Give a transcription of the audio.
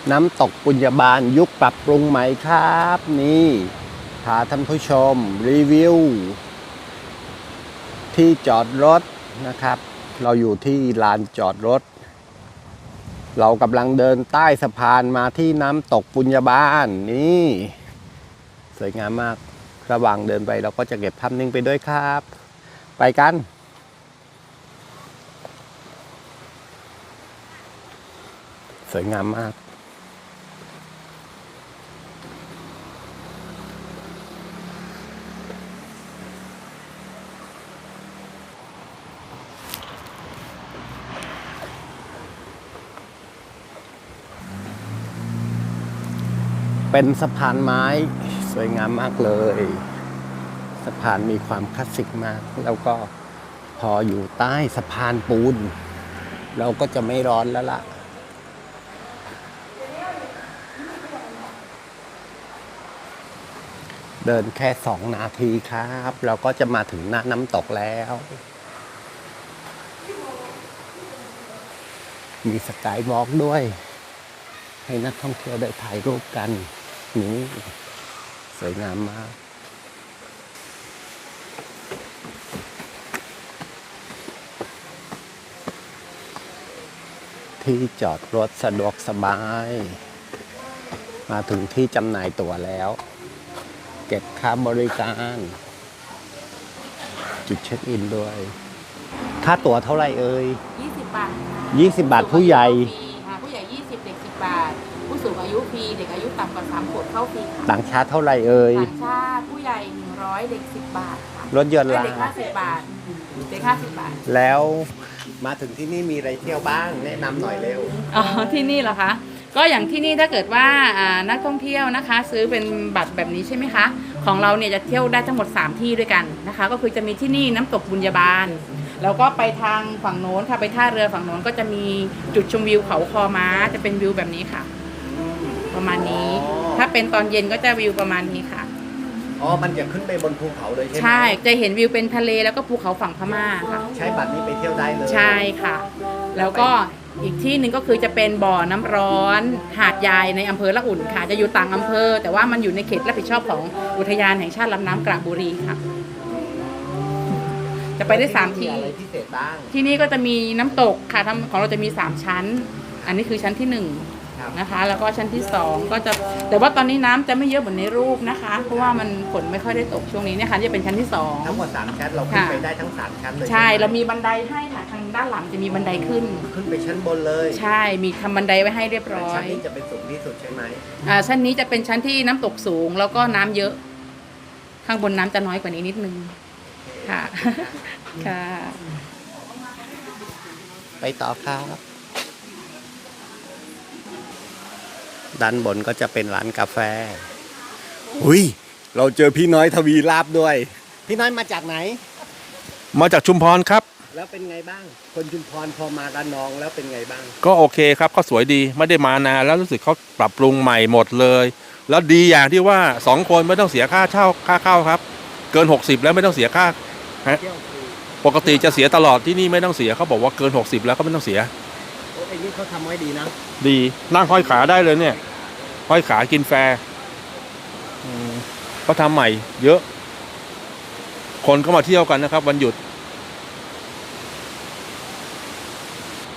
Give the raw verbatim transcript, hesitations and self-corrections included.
น้ำตกปุญญาบาลยุคปรับปรุงใหม่ครับนี่พาท่านผู้ชมรีวิวที่จอดรถนะครับเราอยู่ที่ลานจอดรถเรากำลังเดินใต้สะพานมาที่น้ำตกปุญญาบาลนี่สวยงามมากระหว่างเดินไปเราก็จะเก็บภาพนิ่งไปด้วยครับไปกันสวยงามมากเป็นสะพานไม้สวยงามมากเลยสะพานมีความคลาสสิกมากแล้วก็พออยู่ใต้สะพานปูนเราก็จะไม่ร้อนแล้วล่ะเดินแค่สองนาทีครับเราก็จะมาถึงหน้าน้ำตกแล้วมีสกายวอล์กด้วยให้นักท่องเที่ยวได้ถ่ายรูปกันนี่สวยงามมากที่จอดรถสะดวกสบายมาถึงที่จำหน่ายตั๋วแล้วเก็บค่าบริการจุดเช็คอินด้วยค่าตั๋วเท่าไหร่เอ่ยยี่สิบบาทยี่สิบบาทผู้ใหญ่ผู้ใหญ่ยี่สิบเด็กสิบบาทผู้สูงอายุฟรีเด็กอายุต่ำกว่าสามขวบเข้าฟรีต่างชาติเท่าไหร่เอ่ยต่างชาติผู้ใหญ่หนึ่งร้อยเด็กสิบบาทค่ะรถยนต์ล่ะเด็กห้าสิบบาทเด็กห้าสิบบาทแล้วมาถึงที่นี่มีอะไรเที่ยวบ้างแนะนำหน่อยเร็วอ๋อที่นี่เหรอคะก็อย่างที่นี่ถ้าเกิดว่านักท่องเที่ยวนะคะซื้อเป็นบัตรแบบนี้ใช่ไหมคะของเราเนี่ยจะเที่ยวได้ทั้งหมดสามที่ด้วยกันนะคะก็คือจะมีที่นี่น้ำตกบุญญาบาลแล้วก็ไปทางฝั่งโน้นค่ะไปท่าเรือฝั่งโน้นก็จะมีจุดชมวิวเขาคอม้าจะเป็นวิวแบบนี้ค่ะประมาณนี้ถ้าเป็นตอนเย็นก็จะวิวประมาณนี้ค่ะอ๋อมันจะขึ้นไปบนภูเขาเลยใช่ไหมใช่จะเห็นวิวเป็นทะเลแล้วก็ภูเขาฝั่งพม่าค่ะใช้บัตรนี้ไปเที่ยวได้เลยใช่ค่ะแล้วก็อีกที่หนึ่งก็คือจะเป็นบ่อน้ำร้อนหาดยายในอำเภอละอุ่นค่ะจะอยู่ต่างอำเภอแต่ว่ามันอยู่ในเขตรับผิดชอบของอุทยานแห่งชาติลำน้ำกระบุรีค่ะจะไปได้สามที่อะไรพิเศษบ้างที่นี่ก็จะมีน้ำตกค่ะของเราจะมีสามชั้นอันนี้คือชั้นที่หนึ่งนะคะแล้วก็ชั้นที่สองก็จะแต่ว่าตอนนี้น้ำจะไม่เยอะเหมือนในรูปนะคะเพราะว่ามันฝนไม่ค่อยได้ตกช่วงนี้เนี่ยค่ะจะเป็นชั้นที่สองทั้งหมดสามชั้นเราขึ้นไปได้ทั้งสามชั้นเลยใช่เรามีบันไดให้ค่ะทางด้านหลังจะมีบันไดขึ้นขึ้นไปชั้นบนเลยใช่มีทำบันไดไว้ให้เรียบร้อยชั้นนี้จะเป็นสูงที่สุดใช่ไหมอ่าชั้นนี้จะเป็นชั้นที่น้ำตกสูงแล้วก็น้ำเยอะข้างบนน้ำจะน้อยกว่านี้นิดนึงค่ะค่ะไปต่อครับด้านบนก็จะเป็นร้านกาแฟอุ้ยเราเจอพี่น้อยทวีลาบด้วยพี่น้อยมาจากไหนมาจากชุมพรครับแล้วเป็นไงบ้างคนชุมพรพอมาระนองแล้วเป็นไงบ้างก็โอเคครับก็สวยดีไม่ได้มานานแล้วรู้สึกเขาปรับปรุงใหม่หมดเลยแล้วดีอย่างที่ว่าสองคนไม่ต้องเสียค่าเช่าค่าเข้าครับเกินหกสิบแล้วไม่ต้องเสียค่าฮะปกติจะเสียตลอดที่นี่ไม่ต้องเสียเขาบอกว่าเกินหกสิบแล้วก็ไม่ต้องเสียโอ้ไอ้นี่เขาทำไว้ดีนะดีนั่งห้อยขาได้เลยเนี่ยห้อยขากินแฟร์เขาทำใหม่เยอะคนก็มาเที่ยวกันนะครับวันหยุด